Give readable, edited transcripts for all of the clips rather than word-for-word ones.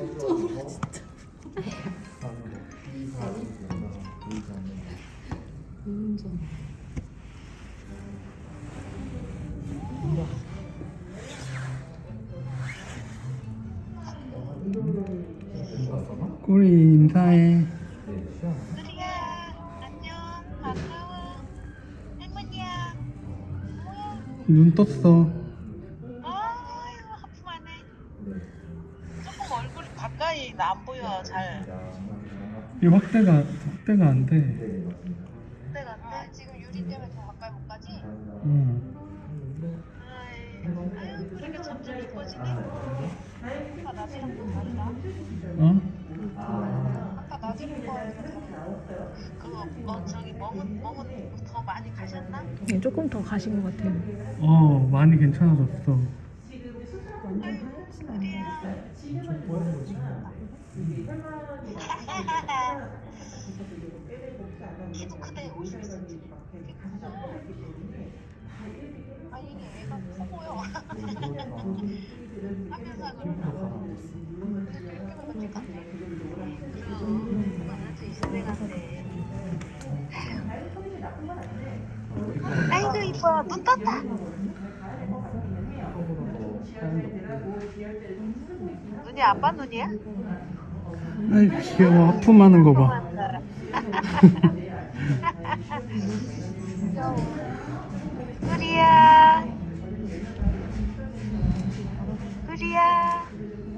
꼬리 인사해. 누리야, 안녕, 반가워. 할머니야, 뭐야? 눈 떴어. 아이고, 하품하네. 조금 얼굴이 가까이 나 안 보여, 잘. 이 확대가 안 돼. 내가 아, 지금 유리 때문에 더 가까이 못 가지? 응. 아유, 그러니까 점점 이뻐지네. 아까 낮이랑 또 다르다. 어? 아까 낮이랑 거랑 다르다. 그거, 저기 멍은 더 많이 가셨나? 네, 조금 더 가신 것 같아요. 많이 괜찮아졌어. 아유, 누리야. 키도 크대, 50cm. 아, 이게 애가 커 보여. 하면서 그러면 같아. 그럼, 아주 이슬배 같네. 아이고, 이뻐. 눈 떴다. 눈이 아빠 눈이야? 아이 귀여워. 하품하는 거 봐. 우리야, 우리야.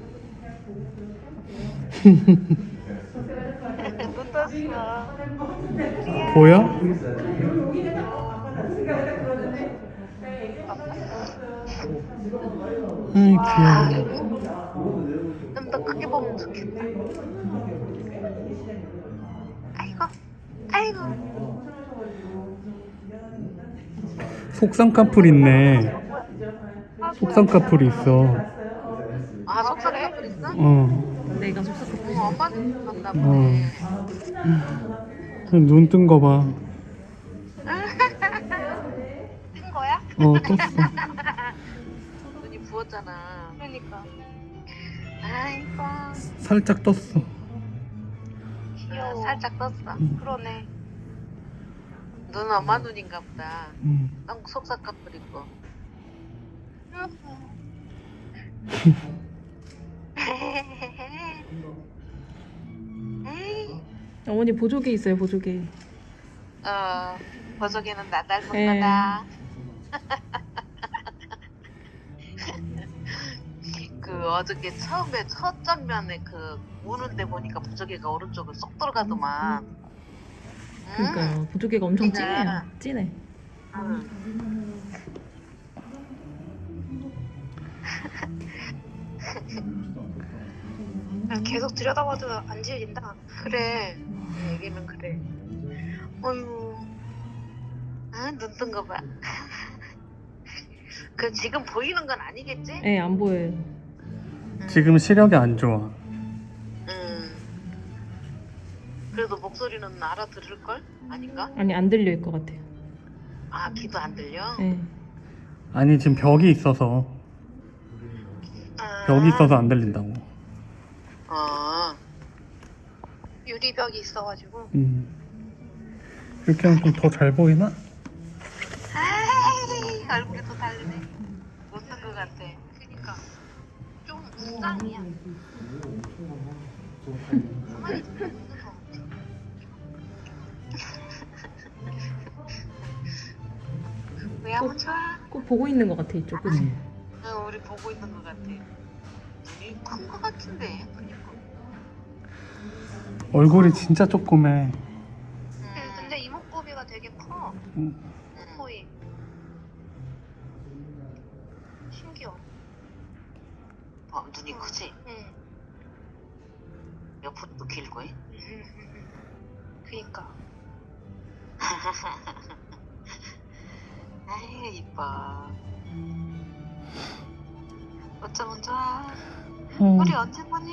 눈 떴어. 우리야. 보여? 아이 귀여워. 좀 더 크게 보면 좋겠다. 아이고, 아이고. 속상 카풀 있네. 속상 카풀이 있어. 아, 속삭여? 그랬어? 내가 속삭여. 엄마는 봤나 보네. 눈 뜬 거 봐. 뜬 거야? 떴어. 눈이 부었잖아. 그러니까. 아이고. 살짝 떴어. 귀여워. 살짝 떴어. 그러네. 눈 엄마 눈인가 보다. 너무 속삭거리고. 어머니 보조개 있어요, 보조개. 버석이는 나 닮은 예. 거다. 그 어저께 처음에 첫 장면에 그 우는데 보니까 부적이가 오른쪽을 쏙 들어가더만. 그러니까요. 보조개가 엄청 그러니까. 진해요. 진해. 계속 들여다봐도 안 지워진다. 그래. 얘기는 그래. 어휴. 눈 뜬 거 봐. 그 지금 보이는 건 아니겠지? 네, 안 보여요. 지금 시력이 안 좋아. 그래도 목소리는 알아들을 걸? 아닌가? 아니, 안 들릴 것 같아요. 아, 귀도 안 들려? 네. 아니 지금 벽이 있어서 안 들린다고. 유리벽이 있어가지고. 이렇게 하면 좀 더 잘 보이나? 아이, 얼굴이 더 다르네. 못뜬 것 같아. 그니까 좀 무쌍이야. 가만히 있으면 웃는 거 같아. 왜 한번 좋아? 꼭 보고 있는 것 같아, 이쪽. 그치? 응, 우리 보고 있는 것 같아. 눈이 큰 것 같은데. 그니까. 얼굴이 진짜 조그매. 근데 이목구비가 되게 커. 거의. 신기해. 눈이 크지? 응. 옆으로도 길고 해? 그니까. 아이고 이뻐. 어쩌면 좋아. 우리 언제 보니?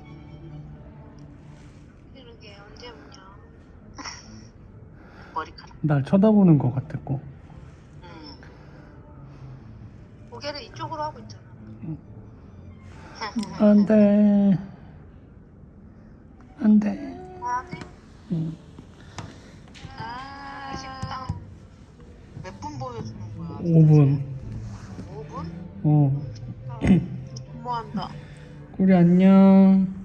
그러게 언제 보냐. 머리카락. 날 쳐다보는 것 같았고. 고개를 이쪽으로 하고 있잖아. 안돼. 아, 식당. 몇 분 보여주는 거야? 5분. 5분? 어. 너무한다. 우리 안녕.